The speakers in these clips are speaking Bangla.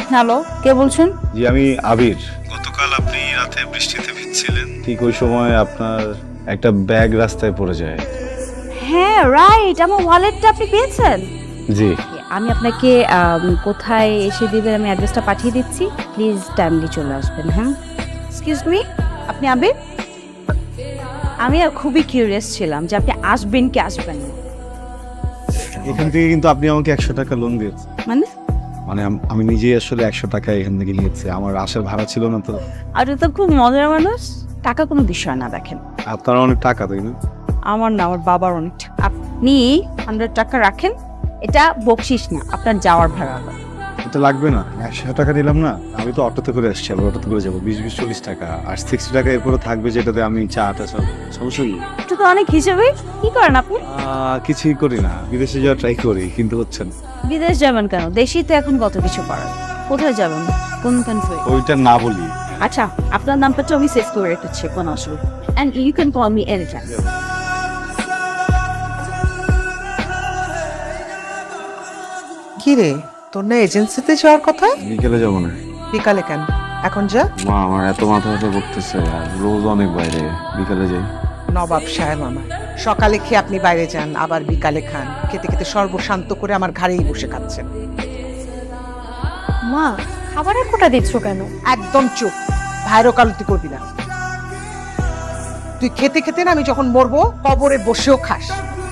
হ্যালো, কে বলছেন? জি আমি আবির। গতকাল আপনি রাতে বৃষ্টিতে ভিজছিলেন, ঠিক ওই সময় আপনার একটা ব্যাগ রাস্তায় পড়ে যায়। হ্যাঁ রাইট, আমার ওয়ালেটটা আপনি পেয়েছেন? জি। আমি আপনাকে কোথায় এসে দিবেন আমি অ্যাড্রেসটা পাঠিয়ে দিচ্ছি, প্লিজ টাইমলি চলে আসবেন। হ্যাঁ, এক্সকিউজ মি, আপনি আবির? আমি আর খুবই কিউরিয়াস ছিলাম যে আপনি আসবেন কি আসবেন না। এখান থেকে কিন্তু আপনি আমাকে 100 টাকা লোন দিয়েছেন। মানে মানে আমি নিজেই আসলে 100 টাকা এখান থেকে নিয়েছি, আমার আসার ভাড়া ছিল না তো। আপনি তো খুব মজার মানুষ। টাকা কোনো বিষয় না, দেখেন আপনার অনেক টাকা তাই না? আমার না, আমার বাবার অনেক টাকা। আপনি 100 টাকা রাখেন, এটা বকশিস না, আপনার যাওয়ার ভাড়া। এটা লাগবে না, 100 টাকা দিলাম না। আমি তো অটোতে করে আসছি, আবার অটোতে করে যাবো 20-40 টাকা, আর 60 টাকা এরপরে থাকবে যেটাতে আমি চাটা সব সমস্যা নেই। এটা তো অনেক হিসেবে। কি করেন আপনি? কিছুই করি না, বিদেশে যাওয়ার ট্রাই করি কিন্তু হচ্ছে না। বিদেশ যাবেন কেন? দেশেই তো এখন কত কিছু করার। কোথায় যাবেন, কোন কান্ট্রি? ওইটা না বলি। আচ্ছা, আপনার নামটা তো আমি সেভ করে রেখেছি, কোনো অসুবিধা। And you can call me any time. কি রে, তোর না এজেন্সিতে যাওয়ার কথা? বিকেলে যাবো না। বিকালে কেন? এখন যা। মা আমার এত মাথা ব্যথা করতেছে, আর রোজ অনেক বাইরে, বিকালে যাই। নবাব সাহেব আমার, সকালে খেয়ে আপনি বাইরে যান, আবার বিকালে খান। খেতে খেতে সর্বশান্ত করে আমার ঘাড়েই বসে খাচ্ছেন। মা, খাবারের কোটা দিচ্ছ কেন? একদম চুপ, ভাইরো কালতি করবি না। তুই খেতে খেতে না আমি যখন মরবো কবরে বসেও খাস।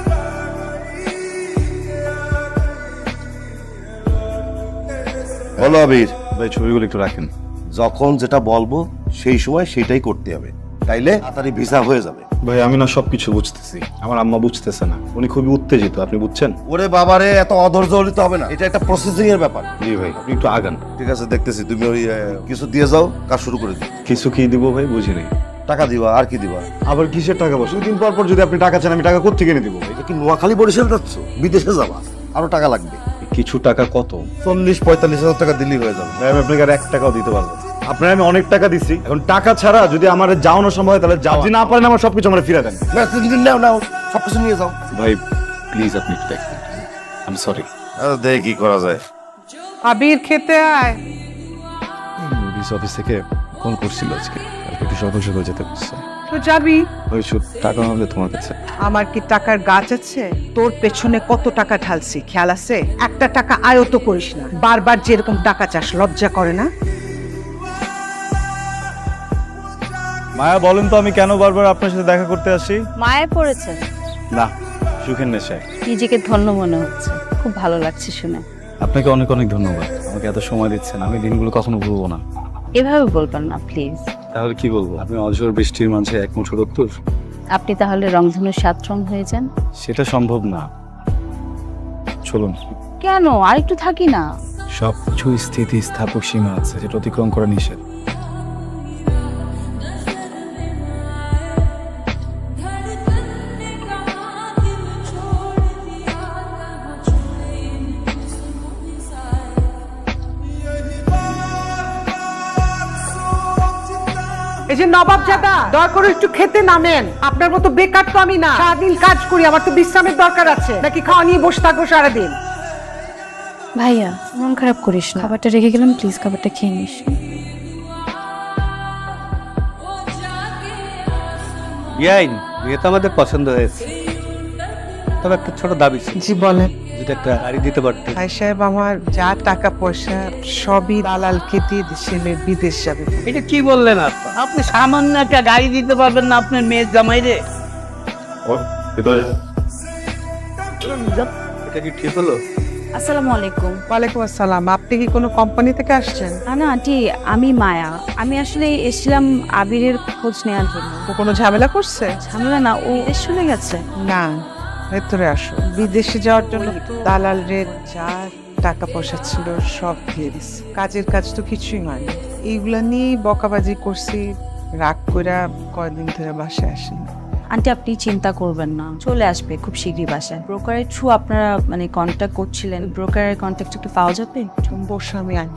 বলো আবির, ভাই ছবিগুলো একটু রাখেন। যখন যেটা বলবো সেই সময় সেটাই করতে হবে, তাইলে তাড়াতাড়ি ভিসা হয়ে যাবে। ভাই আমি না সবকিছু বুঝতেছি, আমার আম্মা বুঝতেছে না, উনি খুবই উত্তেজিত, আপনি বুঝছেন? ওরে বাবারে, এত অধৈর্য হলিতে হবে না, এটা একটা প্রসেসিং এর ব্যাপার। জি ভাই, আপনি একটু আগান। ঠিক আছে, দেখতেছি। তুমি ওই কিছু দিয়ে যাও, কাজ শুরু করে দিও। কিছু কি দিব ভাই, বুঝি নাই। টাকা দিবা, আর কি দিবা? আবার কিসের টাকা? বসে দুদিন পর পর যদি আপনি টাকা চান, আমি টাকা কোত্থেকে এনে দিব ভাই? এ কি নোয়াখালী বরিশাল যাচ্ছ? বিদেশে যাবা, আরো টাকা লাগবে। কিছু টাকা কত? 40-45 হাজার টাকা দিলেই হয়ে যাবে। ভাই আমি আপনাকে আর 1 টাকাও দিতে পারবো না। আপনার আমি অনেক টাকা দিছি, এখন টাকা ছাড়া যদি আমার যাওয়ানো সম্ভব হয় তাহলে যাও, যদি না পারেন আমার সবকিছু আমার ফিরে দেন। না, তুমি নাও নাও, সবকিছু নিয়ে যাও। ভাই প্লিজ আপনি একটু দেখবেন, আমি সরি। দেখি কি করা যায়। আবির, খেতে আয়। পুলিশ অফিস থেকে ফোন করছিল আজকে, কালকে একটু সকাল সকাল যেতে বলছে। তো যাবি। ওই শুধু টাকা হবে তোমার কাছে? আমার কি টাকার গাছ আছে? তোর পেছনে কত টাকা ঢালছি খেয়াল আছে? একটা টাকা আয়ত করিস না, বারবার যেরকম টাকা চাস, লজ্জা করে না? মায়া বলেন তো আমি কেন বারবার আপনার সাথে দেখা করতে আসি? মায়ে পড়েছে? না, সুখের নেশায়। নিজেকে ধন্য মনে হচ্ছে, খুব ভালো লাগছে শুনে। আপনাকে অনেক অনেক ধন্যবাদ, আমাকে এত সময় দিচ্ছেন, আমি দিনগুলো কখনো ভুলবো না। এভাবে বলবেন না প্লিজ। তাহলে কি বলবো? আপনি অঝোর বৃষ্টির মাঝে এক মুঠো রক্তর। আপনি তাহলে রংধনু 7 রং হয়ে যান। সেটা সম্ভব না, চলুন। কেন, আরেকটু থাকি না? সবকিছু স্থিতি স্থাপক সীমা আছে, যেটা অতিক্রম করা নিষেধ। এই যে নবাব জাদা, দয়া করে একটু খেতে নামেন। আপনার মতো বেকার তো আমি না, সারাদিন কাজ করি, আমার তো বিশ্রামের দরকার আছে। নাকি খাওয়া নিয়ে বসে থাকবো সারাদিন? ভাইয়া, মন খারাপ করিস না, খাবারটা রেখে গেলাম, প্লিজ খাবারটা খেয়ে নিস। ইয়াইন, বিয়ে তো আমাদের পছন্দ হয়েছে, তবে একটা ছোট দাবি ছিল। জি বলেন। যদি একটা গাড়ি দিতে পারতে। ভাই সাহেব, আমার যা টাকা পয়সা সবই দালালকে দিয়ে ছেলে বিদেশ যাবে। এটা কি বললেন আপনি? আপনি সামান্য একটা গাড়ি দিতে পারবেন না আপনার মেয়ের জামাই রে? এটা কি ঠিক হলো? আসসালামু আলাইকুম। ওয়ালাইকুম আসসালাম। আপনি কি কোনো কোম্পানি থেকে আসছেন? না আন্টি, আমি মায়া। আমি আসলে এসেছিলাম আবিরের খোঁজ নেওয়ার জন্য। ও কোনো ঝামেলা করছে? ঝামেলা না, ও দেশ চলে গেছে। না, ভেতরে আসো। বিদেশে যাওয়ার জন্য দালাল রে যা টাকা পয়সা ছিল সব দিয়ে দিচ্ছে। কাজের কাজ তো কিছুই হয়নি। এইগুলা নিয়েই বকাবাজি করছি, রাগ কইরা কয়দিন ধরে বাসায় আসেনি। আন্টি আপনি চিন্তা করবেন না, চলে আসবে খুব শীঘ্রই বাসায়। ব্রোকারের থ্রু আপনারা মানে কন্ট্যাক্ট করছিলেন, ব্রোকারের কন্ট্যাক্ট একটু পাওয়া যাবে? তুমি বসো, আমি আনি।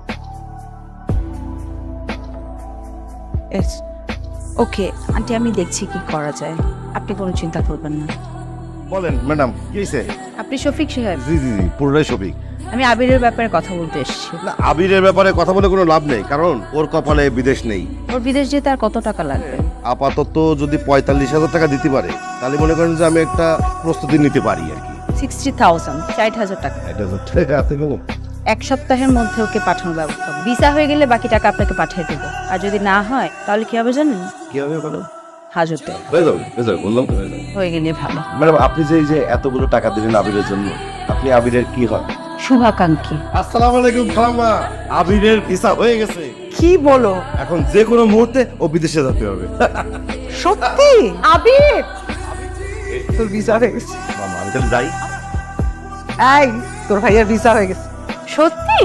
ওকে আন্টি, আমি দেখছি কি করা যায়, আপনি কোনো চিন্তা করবেন না। বলেন ম্যাডাম, কি হয়েছে? আপনি শফিক সাহেব? জি জি জি, পুরোটাই শফিক। আমি আবিরের ব্যাপারে কথা বলতে এসেছি। না, আবিরের ব্যাপারে কথা বলে কোনো লাভ নেই, কারণ ওর কপালে বিদেশ নেই। ওর বিদেশ যেতে আর কত টাকা লাগবে? আপাতত যদি 45,000 টাকা দিতে পারে তাহলে মনে করেন যে আমি একটা প্রস্তুতি নিতে পারি আর কি। 60,000, 60,000 টাকা। এটা হচ্ছে হাতে কলম। এক সপ্তাহের মধ্যে ওকে পাঠানোর ব্যবস্থা হবে। ভিসা হয়ে গেলে বাকি টাকা আপনাকে পাঠিয়ে দেবো। আর যদি না হয় তাহলে কি হবে জানেন? কি হবে বলো? হাজতে হয়ে যাবে, বললাম তো হয়ে যাবে। হয়ে গেলে ভালো। ম্যাডাম, আপনি যে এই যে এতগুলো টাকা দিলেন আবিরের জন্য, আপনি আবিরের কি হয়? শুভাকাঙ্ক্ষী। আসসালামু আলাইকুম খালাম্মা, আবিরের ভিসা হয়ে গেছে। কি বলো? এখন যে কোনো মুহূর্তে ও বিদেশে যেতে হবে। সত্যি? আবির তোর ভিসা হয়ে গেছে। মামা, আমি তাহলে যাই। এই তোর ভাইয়ের ভিসা হয়ে গেছে। সত্যি?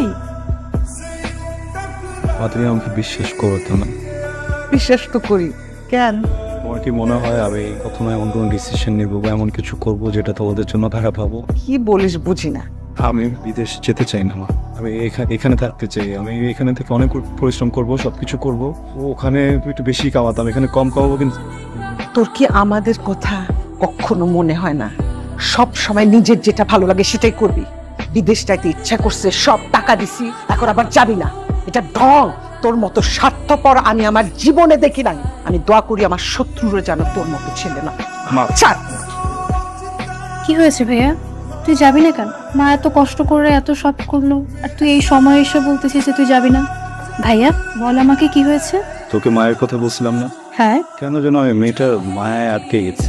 তুমি আমাকে বিশ্বাস করতো না। বিশ্বাস তো করি। কেন? তোমার কি মনে হয় আমি কখনো এমন কোনো ডিসিশন নেবো বা এমন কিছু করবো যেটা তোমাদের জন্য খারাপ হবো? কি বলিস বুঝি না। আমি বিদেশ যেতে চাই না মা। আমি এখানে থাকতে চাই। আমি এখানে থেকে অনেক পরিশ্রম করব, সবকিছু করব। ওখানে একটু বেশি কামাতাম, এখানে কম কামাবো। কিন্তু তোর কি আমাদের কথা কখনো মনে হয় না? সব সময় নিজের যেটা ভালো লাগে সেটাই করবি। বিদেশ যাইতে ইচ্ছা করছে, সব টাকা দিছি, এখন আবার যাবি না। এটা ঢং। তোর মতো স্বার্থপর আমি আমার জীবনে দেখি নাই। আমি দোয়া করি আমার শত্রুরা যেন তোর মতো ছেলে না। মা, ছাড়। কি হয়েছে ভাইয়া? তুই যাবি না কেন? মা এত কষ্ট করে এত সব করলো, আর তুই এই সময় এসে বলতেছিস যে তুই যাবি না? ভাইয়া বল আমাকে কি হয়েছে? তোকে মায়ের কথা বলছিলাম না? হ্যাঁ। কেন যেন আমি মেয়েটার মায়ায় আটকে গেছে।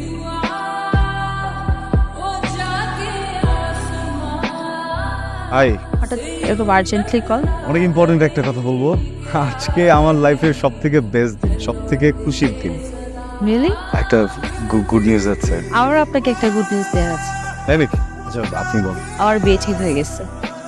হাই, হঠাৎ এরকম আর্জেন্টলি কল? অনেক ইম্পর্টেন্ট একটা কথা বলবো। আজকে আমার লাইফের সব থেকে বেস্ট দিন, সব থেকে খুশির দিন। রিয়েলি? একটা গুড নিউজ আছে। আমার আপনাকে একটা গুড নিউজ দেওয়ার আছে। তাই নাকি? আচ্ছা, আপনি বলুন। আমার বিয়ে ঠিক হয়ে গেছে।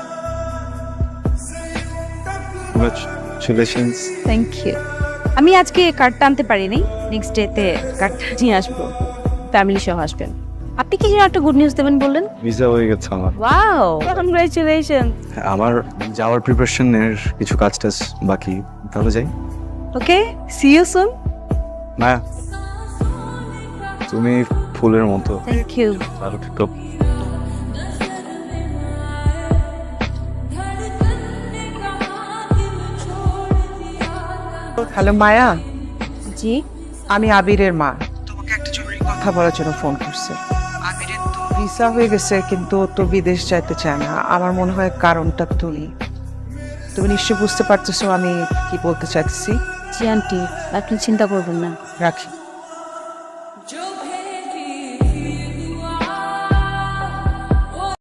কংগ্রাচুলেশনস। Thank you. আমি আজকে কার্ডটা আনতে পারিনি, নেক্সট ডেতে কার্ডটা নিয়ে আসবো। ফ্যামিলি সহ আসবেন। আপনি কি যেন একটা গুড নিউজ দেবেন বললেন? ভিসা হয়ে গেছে আমার। Wow, congratulation. আমার যাওয়ার প্রিপারেশনের কিছু কাজ টাজ বাকি, তাহলে যাই। Okay, see you soon. না, তুমি ফুলের মতো। Thank you. ভালো থেকো। হ্যালো মায়া, জি। আমি আবিরের মা। তোমাকে একটা জরুরি কথা বলার জন্য ফোন করছে। আবিরের তো ভিসা হয়ে গেছে, কিন্তু ও তো বিদেশ যাইতে চায় না। আমার মনে হয় কারণটা তুমি নিশ্চয়ই বুঝতে পারতেছো আমি কি বলতে চাইছি। জি আন্টি, আপনি চিন্তা করবেন না। রাখি।